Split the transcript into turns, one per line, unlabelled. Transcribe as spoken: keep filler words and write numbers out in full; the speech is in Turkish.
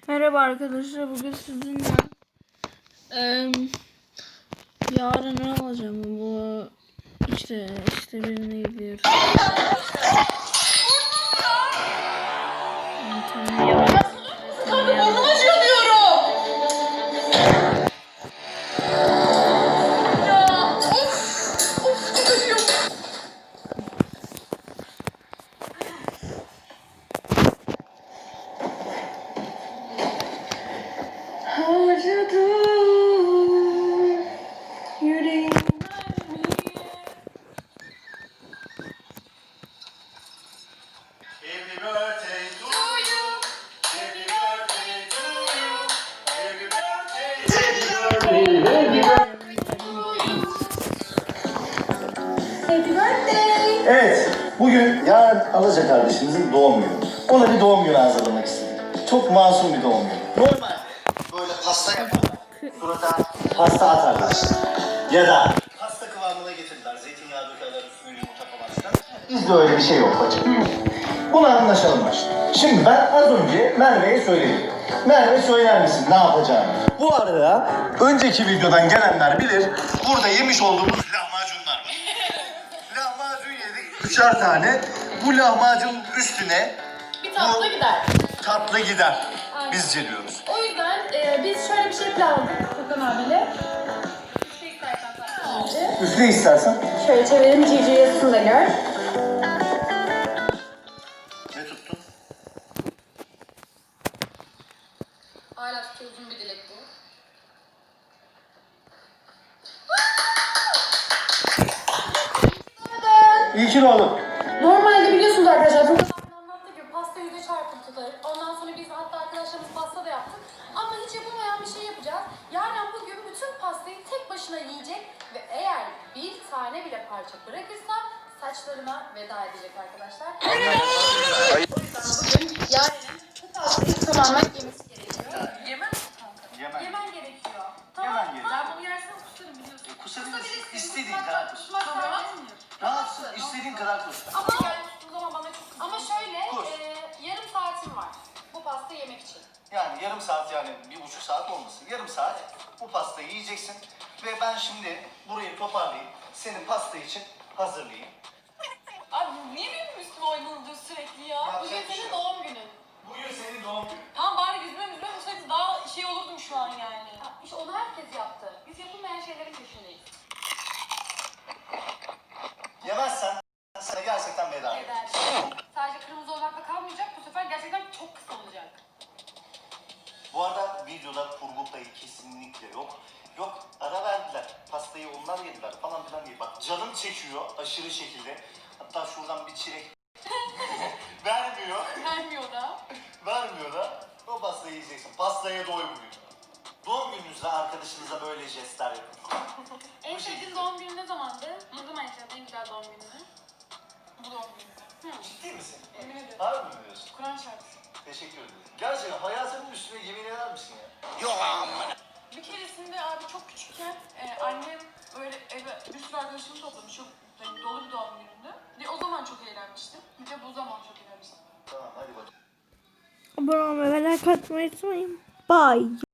Merhaba arkadaşlar, bugün sizinle eee yarın ne alacağım bu işte işte birine gidiyoruz.
Kanka burnum acıyor diyorum. Ya of of çok acıyor. Acıdı yüreğim.
Happy birthday to you. Happy birthday to you. Happy birthday.
Happy birthday.
Evet, bugün yarın Alaca kardeşimizin doğum günü. Ona bir doğum günü hazırlamak istedim. Çok masum bir doğum günü. Normalde böyle pasta yaparlar. Surata pasta atarlar. Ya da pasta kıvamına getirirler. Zeytinyağı dökerler, üstüne yumurta falan filan. Bizde öyle bir şey yok bacım. Buna anlaşalım başta. Şimdi ben az önce Merve'ye söyledim. Merve söyler misin ne yapacağını? Bu arada önceki videodan gelenler bilir. Burada yemiş olduğumuz lahmacunlar var. Lahmacun yedik. Üçer tane. Bu lahmacun üstüne
Bir tatlı gider.
tatlı gider.
Aynen.
Bizce diyoruz.
O yüzden e, biz şöyle bir şey planladık Furkan abiyle. Şey istersen sadece.
Üstüne istersen.
Şöyle çevirelim, Cici yazısını da gör.
Ne tuttun?
Hala çok uzun bir dilek bu.
İyi ki doğdun.
Normalde biliyorsunuz arkadaşlar Furkan abi anlattı ki pasta yüze çarpım tutar. Ondan sonra biz hatta arkadaşlarımız pasta da yaptık. Ama hiç yapılmayan bir şey yapacağız. Yaren bugün bütün pastayı tek başına yiyecek ve eğer bir tane bile parça bırakırsa saçlarına veda edecek arkadaşlar. O yüzden bugün Yaren'in bu pastayı tamamen yemesi gerekiyor. Yemem mi kanka?
Yemem.
Yemen gerekiyor. Tamam.
Yemen gerekiyor.
Ben bunu yersem kusarım biliyorsun.
Kusabilirsin. İstediğin
Kusmak-
kadar kus.
kusmak
Tamam.
serbest.
Rahatsın. İstediğin kadar kus.
Ama ama bana çok Ama şöyle
Kur.
e, yarım saatim var bu pasta yemek için.
Yani yarım saat, yani bir buçuk saat olmasın. Yarım saat bu pastayı yiyeceksin. Ve ben şimdi burayı toparlayayım. Senin pasta için hazırlayayım.
Abi niye benim üstüme oynanılıyor sürekli ya?
Yapacak
Bugün
bir şey
senin
yok.
doğum günün.
Bugün senin doğum günün.
Tamam bari yüzüme yüzüme vursaydı daha şey olurdum şu an yani.
Ha, İşte onu herkes yaptı. Biz yapılmayan şeylerin peşindeyiz.
Yemezsen sana gerçekten veda ederim.
Eder. Sadece kırmızı olmakla kalmayacak. Bu sefer gerçekten çok kısa olacak.
Bu arada videoda kurgu payı kesinlikle yok. Yok, ara verdiler. Pastayı onlar yediler falan filan diye. Bak canım çekiyor aşırı şekilde. Hatta şuradan bir çilek vermiyor.
Vermiyor da.
Vermiyor da o pastayı yiyeceksin. Pastaya doy bugün. Doğum gününüzde arkadaşınıza böyle jestler yapın.
En
Bu
sevdiğin
şekilde.
doğum günü ne zamandı? Ne zaman yaşadın en güzel doğum gününü?
Bu doğum günü.
Hı.
Ciddi misin?
Emin ediyorum.
Harbi mi diyorsun?
Kur'an şarkısı.
Teşekkür ederim. Gerçekten hayatının üstüne yemin eder misin ya?
Bir keresinde abi çok küçükken e, annem böyle eve bir sürü arkadaşımı toplamış. Çok yani dolu bir doğum gününde. Ve o zaman çok eğlenmiştim. Bir de bu zaman çok eğlenmiştim.
Tamam hadi bakalım.
Abone olmayı ve like atmayı unutmayın. Bye.